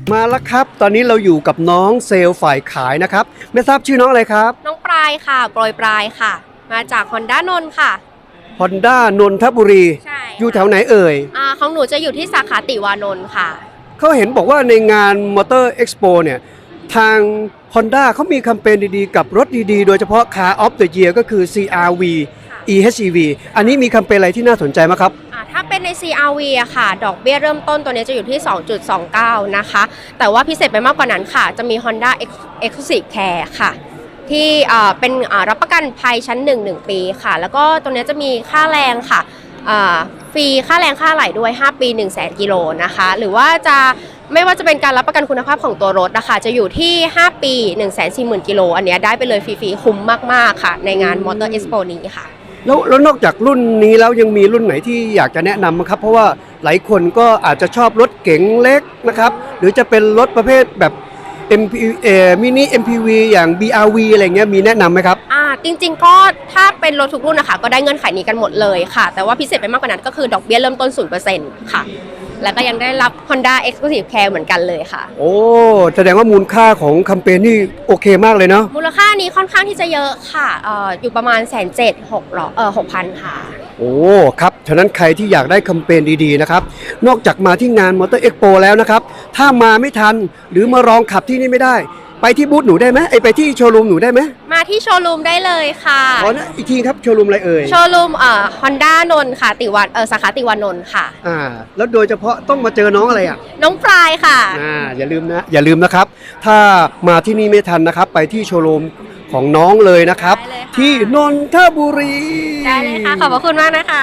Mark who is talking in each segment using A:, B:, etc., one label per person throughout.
A: มาแล้วครับตอนนี้เราอยู่กับน้องเซลล์ฝ่ายขายนะครับไม่ทราบชื่อน้องอะไรครับ
B: น้องปลายค่ะโปรยปลายค่ะมาจาก Honda นนท์ค่ะ
A: Honda นนทบุรี
B: ใช่
A: อยู่แถวไหนเอ่ย
B: ของหนูจะอยู่ที่สาขาติวานนท์ค่ะ
A: เขาเห็นบอกว่าในงาน Motor Expo เนี่ยทาง Honda เขามีแคมเปญดีๆกับรถดีๆโดยเฉพาะ Car of the Year ก็คือ CR-V EHEV อันนี้มีแคมเปญอะไรที่น่าสนใจไหมครับ
B: ถ้าเป็นใน CR-V อะค่ะดอกเบี้ยเริ่มต้นตัวนี้จะอยู่ที่ 2.29 นะคะแต่ว่าพิเศษไปมากกว่านั้นค่ะจะมี Honda Exclusive Care ค่ะที่เป็นรับประกันภัยชั้น 1 ปีค่ะแล้วก็ตัวนี้จะมีค่าแรงค่ะฟรีค่าแรงค่าอะไหล่ด้วย5 ปี 100,000 กิโลนะคะหรือว่าจะไม่ว่าจะเป็นการรับประกันคุณภาพของตัวรถนะคะจะอยู่ที่5 ปี 140,000 กิโลอันนี้ได้ไปเลยฟรีๆคุ้มมากๆค่ะในงาน Motor Expo นี้ค่ะ
A: แล้วนอกจากรุ่นนี้แล้วยังมีรุ่นไหนที่อยากจะแนะนำมั้งครับเพราะว่าหลายคนก็อาจจะชอบรถเก๋งเล็กนะครับหรือจะเป็นรถประเภทแบบ มินิ MPV อย่าง BRV อะไรเงี้ยมีแนะนำไหมครับ
B: จริงๆก็ถ้าเป็นรถทุกรุ่นนะคะก็ได้เงื่อนไขนี้กันหมดเลยค่ะแต่ว่าพิเศษไปมากกว่านั้นก็คือดอกเบี้ยเริ่มต้น 0% ค่ะแล้วก็ยังได้รับ Honda Exclusive Care เหมือนกันเลยค่ะ
A: โอ้แสดงว่ามูลค่าของแคมเปญนี่โอเคมากเลยเนาะ
B: มูลค่านี้ค่อนข้างที่จะเยอะค่ะอยู่ประมาณ170,000-6,000ค่ะ
A: โอ้ครับฉะนั้นใครที่อยากได้แคมเปญดีๆนะครับนอกจากมาที่งาน Motor Expo แล้วนะครับถ้ามาไม่ทันหรือมาลองขับที่นี่ไม่ได้ไปที่บูธหนูได้ไหมไปที่โชว์รูมหนูได้ไหม
B: มาที่โชว์รูมได้เลยค่ะ
A: นะอีกทีครับโชว์รูมอะไรเอ่ย
B: โชว์รูมHonda นนท์ค่ะสาขาติวานนท์ค่ะ
A: แล้วโดยเฉพาะต้องมาเจอน้องอะไร
B: น้องปลายค่ะ
A: อย่าลืมนะครับถ้ามาที่นี่ไม่ทันนะครับไปที่โชว์รูมของน้องเลยนะครับที่นนทบุรี
B: ได้เลยค่ะขอบพระคุณมากนะคะ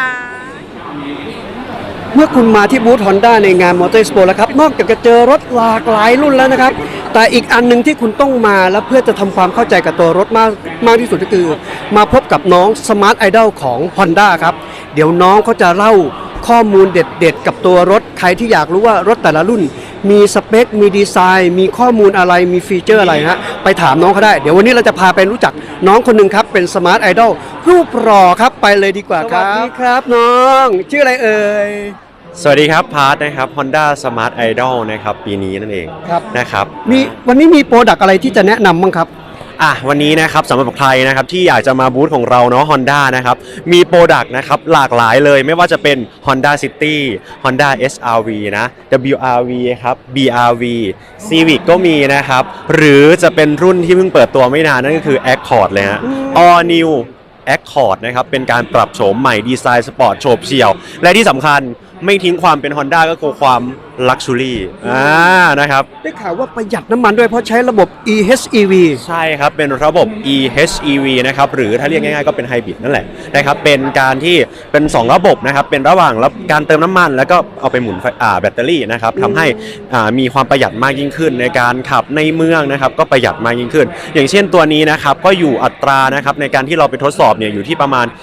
A: เมื่อคุณมาที่บูธ Honda ในงาน Motor Expo แล้วครับนอกจากจะเจอรถหลากหลายรุ่นแล้วนะครับแต่อีกอันนึงที่คุณต้องมาแล้วเพื่อจะทำความเข้าใจกับตัวรถมากที่สุดก็คือมาพบกับน้อง Smart Idol ของ Honda ครับเดี๋ยวน้องเขาจะเล่าข้อมูลเด็ดๆกับตัวรถใครที่อยากรู้ว่ารถแต่ละรุ่นมีสเปคมีดีไซน์มีข้อมูลอะไรมีฟีเจอร์อะไรฮะไปถามน้องเขาได้เดี๋ยววันนี้เราจะพาไปรู้จักน้องคนหนึ่งครับเป็น Smart Idol รูปหล่อครับไปเลยดีกว่าครับสวัสดีครับน้องชื่ออะไรเอ่ย
C: สวัสดีครับพาร์ทนะครับ Honda Smart Idol นะครับปีนี้นั่นเองนะครับ
A: วันนี้มีโปรดักต์อะไรที่จะแนะนำบ้างครับ
C: วันนี้นะครับสำหรับใครนะครับที่อยากจะมาบูธของเราเนาะ Honda นะครับมีโปรดักต์นะครับหลากหลายเลยไม่ว่าจะเป็น Honda City Honda SRV นะ WRV ครับ BRV Civic ก็มีนะครับหรือจะเป็นรุ่นที่เพิ่งเปิดตัวไม่นานนั่นก็คือ Accord เลยฮะ All New Accord นะครับเป็นการปรับโฉมใหม่ดีไซน์สปอร์ตโฉบเฉี่ยวและที่สำคัญไม่ทิ้งความเป็น Honda ก็คือความ Luxury นะครับ
A: ได้ข่าวว่าประหยัดน้ำมันด้วยเพราะใช้ระบบ EHEV
C: ใช่ครับเป็นระบบ EHEV นะครับหรือถ้าเรียกง่ายๆก็เป็นไฮบริดนั่นแหละนะครับเป็นการที่เป็น2ระบบนะครับเป็นระหว่างการเติมน้ำมันแล้วก็เอาไปหมุนแบตเตอรี่นะครับทำให้มีความประหยัดมากยิ่งขึ้นในการขับในเมืองนะครับก็ประหยัดมากยิ่งขึ้นอย่างเช่นตัวนี้นะครับก็อยู่อัตรานะครับในการที่เราไปทดสอบเนี่ยอยู่ที่ประมาณ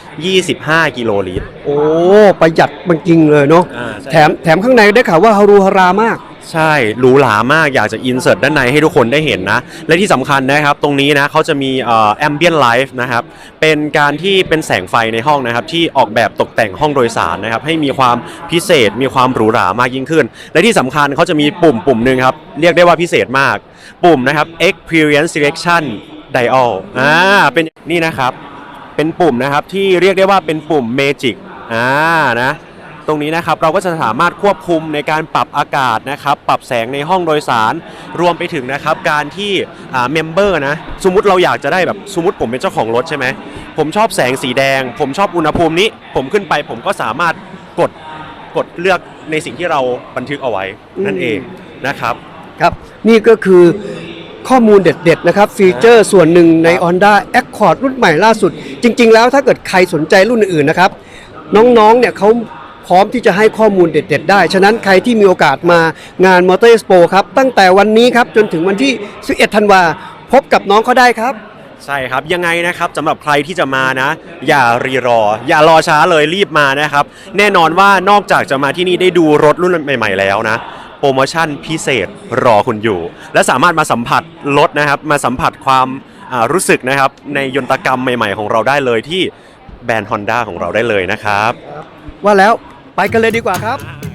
C: 25 กิโลลิตร
A: โอ้ประหยัดมันจริงเลยเนาะแถมข้างในได้ข่าวว่าฮารูฮารามาก
C: ใช่หรูหรามากอยากจะอินเสิร์ตด้านในให้ทุกคนได้เห็นนะและที่สำคัญนะครับตรงนี้นะเขาจะมีambient light นะครับเป็นการที่เป็นแสงไฟในห้องนะครับที่ออกแบบตกแต่งห้องโดยสารนะครับให้มีความพิเศษมีความหรูหรามากยิ่งขึ้นและที่สำคัญเขาจะมีปุ่มหนึ่งครับเรียกได้ว่าพิเศษมากปุ่มนะครับ experience selection dial เป็นนี่นะครับเป็นปุ่มนะครับที่เรียกได้ว่าเป็นปุ่ม magic นะตรงนี้นะครับเราก็จะสามารถควบคุมในการปรับอากาศนะครับปรับแสงในห้องโดยสารรวมไปถึงนะครับการที่เมมเบอร์นะสมมุติเราอยากจะได้แบบสมมุติผมเป็นเจ้าของรถใช่ไหมผมชอบแสงสีแดงผมชอบอุณหภูมินี้ผมขึ้นไปผมก็สามารถกดเลือกในสิ่งที่เราบันทึกเอาไว้นั่นเองนะครับ
A: ครับนี่ก็คือข้อมูลเด็ดๆนะครับฟีเจอร์ส่วนหนึ่งใน Honda Accord รุ่นใหม่ล่าสุดจริงๆแล้วถ้าเกิดใครสนใจรุ่นอื่นๆนะครับน้องๆเนี่ยเขาพร้อมที่จะให้ข้อมูลเด็ดๆได้ฉะนั้นใครที่มีโอกาสมางาน Motor Expo ครับตั้งแต่วันนี้ครับจนถึงวันที่11ธันวาพบกับน้องเขาได้ครับ
C: ใช่ครับยังไงนะครับสำหรับใครที่จะมานะอย่ารอช้าเลยรีบมานะครับแน่นอนว่านอกจากจะมาที่นี่ได้ดูรถรุ่นใหม่ๆแล้วนะโปรโมชั่นพิเศษรอคุณอยู่และสามารถมาสัมผัสรถนะครับมาสัมผัสความรู้สึกนะครับในยนตกรรมใหม่ๆของเราได้เลยที่แบรนด์ Honda ของเราได้เลยนะครับ
A: ว่าแล้วไปกันเลยดีกว่าครับ